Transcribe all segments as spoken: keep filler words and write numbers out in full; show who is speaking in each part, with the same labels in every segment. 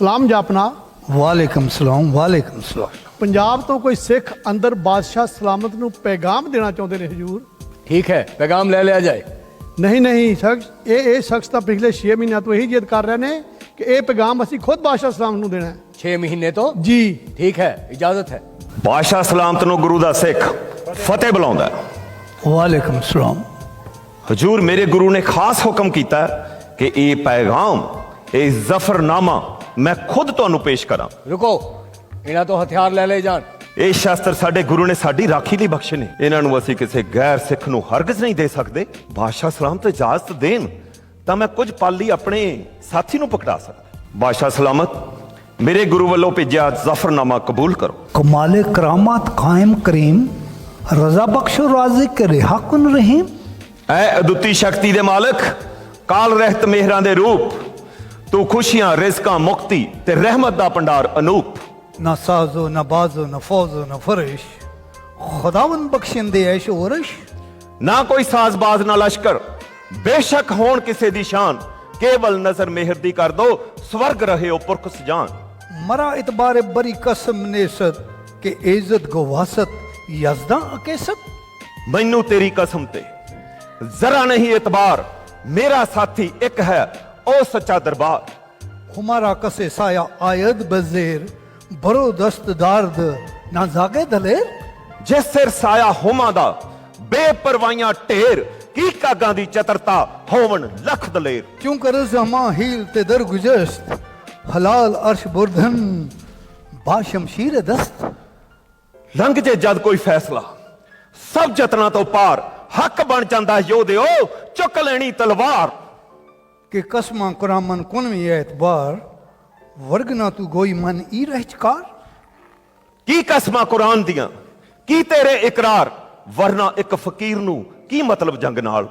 Speaker 1: ਸਲਾਮ ਜਾਪਨਾ।
Speaker 2: ਵਾਲੇਕਮ ਸਲਾਮ ਵਾਲੇਕਮ ਸਲਾਮ।
Speaker 1: ਪੰਜਾਬ ਤੋਂ ਕੋਈ ਸਿੱਖ ਅੰਦਰ ਬਾਦਸ਼ਾਹ ਸਲਾਮਤ ਨੂੰ ਪੈਗਾਮ ਦੇਣਾ ਚਾਹੁੰਦੇ ਨੇ ਹਜੂਰ।
Speaker 3: ठीक है, पैगाम ले लिया जाए।
Speaker 1: ਨਹੀਂ ਨਹੀਂ ਸ਼ਖਸ ਇਹ ਇਹ ਸ਼ਖਸ ਤਾਂ ਪਿਛਲੇ ਛੇ ਮਹੀਨਿਆਂ ਤੋਂ ਇਹੀ ਜਿੱਦ ਕਰ ਰਹੇ ਨੇ ਕਿ ਇਹ ਪੈਗਾਮ ਅਸੀਂ ਖੁਦ ਬਾਦਸ਼ਾਹ ਸਲਾਮਤ ਨੂੰ ਦੇਣਾ ਹੈ।
Speaker 3: छह महीने तो
Speaker 1: ਜੀ
Speaker 3: ठीक है, इजाजत है।
Speaker 4: ਬਾਦਸ਼ਾਹ ਸਲਾਮਤ ਨੂੰ ਗੁਰੂ ਦਾ ਸਿੱਖ ਫਤਿਹ ਬੁਲਾਉਂਦਾ ਹੈ।
Speaker 2: ਵਾਲੇਕਮ ਸਲਾਮ।
Speaker 4: ਹਜੂਰ ਮੇਰੇ ਗੁਰੂ ਨੇ ਖਾਸ ਹੁਕਮ ਕੀਤਾ ਕਿ ਇਹ ਪੈਗਾਮ ਇਹ ਜ਼ਫਰਨਾਮਾ ਮੈਂ ਖੁਦ ਤੁਹਾਨੂੰ ਪੇਸ਼ ਕਰਾਂ।
Speaker 3: रुको, इन्हें तो हथियार ले ले जान।
Speaker 4: ਇਹ ਸ਼ਾਸਤਰ ਸਾਡੇ ਗੁਰੂ ਨੇ ਸਾਡੀ ਰਾਖੀ ਲਈ ਬਖਸ਼ੇ ਨੇ, ਇਹਨਾਂ ਨੂੰ ਅਸੀਂ ਕਿਸੇ ਗੈਰ ਸਿੱਖ ਨੂੰ ਹਰਗਿਜ਼ ਨਹੀਂ ਦੇ ਸਕਦੇ। ਬਾਦਸ਼ਾਹ ਸਲਾਮਤ ਇਜਾਜ਼ਤ ਦੇਣ ਤਾਂ ਮੈਂ ਕੁਝ ਪਲ ਲਈ ਆਪਣੇ ਸਾਥੀ ਨੂੰ ਪਕੜਾ ਸਕਦਾ। ਬਾਦਸ਼ਾਹ ਸਲਾਮਤ ਮੇਰੇ ਗੁਰੂ ਵੱਲੋਂ ਭੇਜਿਆ ਜ਼ਫਰਨਾਮਾ ਕਬੂਲ ਕਰੋ।
Speaker 2: ਕਮਾਲੇ ਕਰਾਮਾਤ ਕਾਇਮ ਕਰੀਮ ਰਜ਼ਾ ਬਖਸ਼ੋ ਰਾਜ਼ਿਕ ਰਿਹਾ ਕੁਨ ਰਹੀਮ।
Speaker 4: ਐ ਅਦੁੱਤੀ ਸ਼ਕਤੀ ਦੇ ਮਾਲਕ, ਕਾਲ ਰਹਿਤ ਮਿਹਰਾਂ ਦੇ ਰੂਪ, ਤੂੰ ਖੁਸ਼ੀਆਂ ਰਿਜ਼ਕਾਂ ਮੁਕਤੀ ਤੇ ਰਹਿਮਤ ਦਾ ਭੰਡਾਰ ਅਨੂਪ।
Speaker 2: ਨਾ ਸਾਜ਼ੋ ਨਾ ਬਾਜ਼ੋ ਨਾ ਫੌਜ਼ੋ ਨਾ ਫਰਿਸ਼ ਖੁਦਾਵੰਦ ਬਖਸ਼ਿੰਦੇ ਐਸ਼ ਔਰਸ਼।
Speaker 4: ਨਾ ਕੋਈ ਸਾਜ਼ਬਾਜ਼ ਨਾ ਲਸ਼ਕਰ, ਬੇਸ਼ੱਕ ਹੋਣ ਕਿਸੇ ਦੀ ਸ਼ਾਨ, ਕੇਵਲ ਨਜ਼ਰ ਮਿਹਰ ਦੀ ਕਰ ਦੋ ਸਵਰਗ ਰਹੇ ਹੋ ਪੁਰਖ ਸਜਾਨ।
Speaker 2: ਮਰਾ ਇਤਬਾਰ ਬਰੀ ਕਸਮ ਨੇਸਤ ਕਿ ਇੱਜ਼ਤ ਗਵਾਸਤ ਯਜ਼ਦਾ ਅਕੇਸਤ।
Speaker 4: ਮੈਨੂੰ ਤੇਰੀ ਕਸਮ ਤੇ ਜ਼ਰਾ ਨਹੀਂ ਇਤਬਾਰ, ਮੇਰਾ ਸਾਥੀ ਇੱਕ ਹੈ ਉਹ ਸੱਚਾ ਦਰਬਾਰ।
Speaker 2: ਹਮਾਰਾ ਕਸੇ ਸਾਇਆ ਆਇਦ ਬਜ਼ੇਰ ਬਰੋ ਦਸਤ ਦਰਦ ਨਾ ਜਾਗੇ ਦਲੇਰ।
Speaker 4: ਜਿਸ ਸਿਰ ਸਾਇਆ ਹੋਮਾਂ ਦਾ ਬੇਪਰਵਾਹੀਆਂ ਢੇਰ, ਕੀ ਕਾਗਾਂ ਦੀ ਚਤਰਤਾ ਹੋਵਣ ਲੱਖ ਦਲੇਰ।
Speaker 2: क्यों कर जमा हील ते दर गुजस्त हलाल अर्श बुरधन बाशमशीर दस्त।
Speaker 4: ਲੰਘ ਜੇ ਜਦ ਕੋਈ ਫੈਸਲਾ ਸਭ ਜਤਨਾਂ ਤੋਂ ਪਾਰ, ਹੱਕ ਬਣ ਜਾਂਦਾ ਯੋਧਿਓ ਚੁੱਕ ਲੈਣੀ ਤਲਵਾਰ।
Speaker 2: के कसमा कुरामन कुन में एतबार वर्गना तू गोई मन ई रहचकार।
Speaker 4: ਕੀ ਕਸਮਾਂ ਕੁਰਾਨ ਦੀਆਂ ਕੀ ਤੇਰੇ ਇਕਰਾਰ, ਵਰਨਾ ਇੱਕ ਫਕੀਰ ਨੂੰ ਕੀ ਮਤਲਬ ਜੰਗ ਨਾਲ।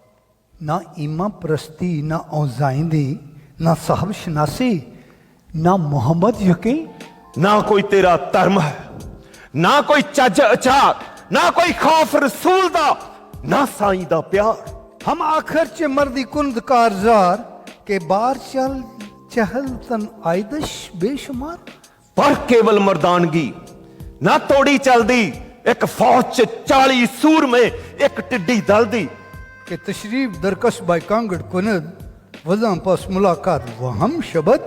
Speaker 2: ना ईमा प्रस्ती ना औजाइंदी ना साहब शनासी ना मोहम्मद यकीन।
Speaker 4: ਨਾ ਕੋਈ ਤੇਰਾ ਧਰਮ ਹੈ, ਨਾ ਕੋਈ ਚੱਜ ਅਚਾਰ, ਨਾ ਕੋਈ ਖੌਫ ਰਸੂਲ ਦਾ, ਨਾ ਸਾਈਂ ਦਾ ਪਿਆਰ।
Speaker 2: हम आखिर च मर्दी कुंद कारजार के बार चल चहल तन आयदश बेशुमार।
Speaker 4: ਪਰ ਕੇਵਲ ਮਰਦਾਨਗੀ ਨਾ ਤੋੜੀ ਚਲਦੀ, ਇੱਕ ਫੌਜ ਚ ਚਾਲੀ ਸੂਰਮੇ ਇੱਕ ਟਿੱਡੀ ਦਲ ਦੀ।
Speaker 2: के तशरीफ दरकश बाय कांगड़ कुनद वज़ा पास मुलाकात वहम शबद।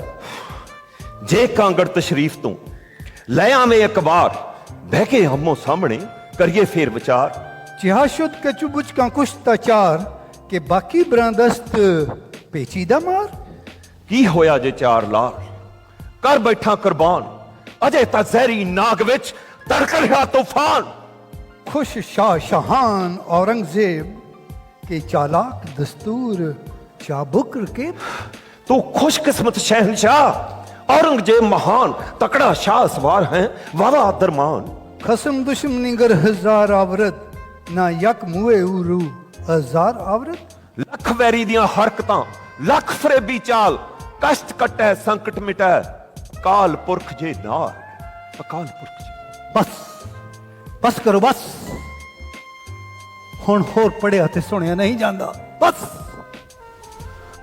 Speaker 4: ਜੇ ਕਾਂਗੜ ਤਸ਼ਰੀਫ ਤੂੰ ਲੈ ਆਵੇਂ ਇੱਕ ਵਾਰ, ਬਹਿ ਕੇ ਹਮੋ ਸਾਹਮਣੇ ਕਰੀਏ ਫੇਰ ਵਿਚਾਰ।
Speaker 2: चिहाशुद के चुबुच का कुश्ता चार के बाकी ब्रांदस्त पेचीदा मार।
Speaker 4: ਕੀ ਹੋਇਆ ਜੇ ਚਾਰ ਲਾਲ ਕਰ ਬੈਠਾ ਕੁਰਬਾਨ, ਅਜੇ ਤਾਂ ਜ਼ਹਿਰੀ ਨਾਗ ਵਿੱਚ ਤੜਕ ਰਿਹਾ ਤੂਫਾਨ।
Speaker 2: खुश शाह शहान औरंगजेब के चालाक दस्तूर चाबुक के।
Speaker 4: तू खुशकिस्मत शहनशाह औरंगजेब महान, तकड़ा शाह सवार है वाला दरमान।
Speaker 2: खसम दुश्मनी गर हजार आवरत ना यक मुए उरू हजार आवरत।
Speaker 4: ਲੱਖ ਵੈਰੀ ਦੀਆਂ ਹਰਕਤਾਂ ਲੱਖ ਫਰੇਬੀ ਚਾਲ, ਕਸ਼ਟ ਕੱਟੈ ਸੰਕਟ ਮਿਟੈ ਕਾਲ ਪੁਰਖ ਜੇ ਨਾਲ। ਅਕਾਲ ਪੁਰਖ ਜੀ
Speaker 2: बस बस करो बस हुण होर पढ़िया ते सुनिया नहीं जांदा बस।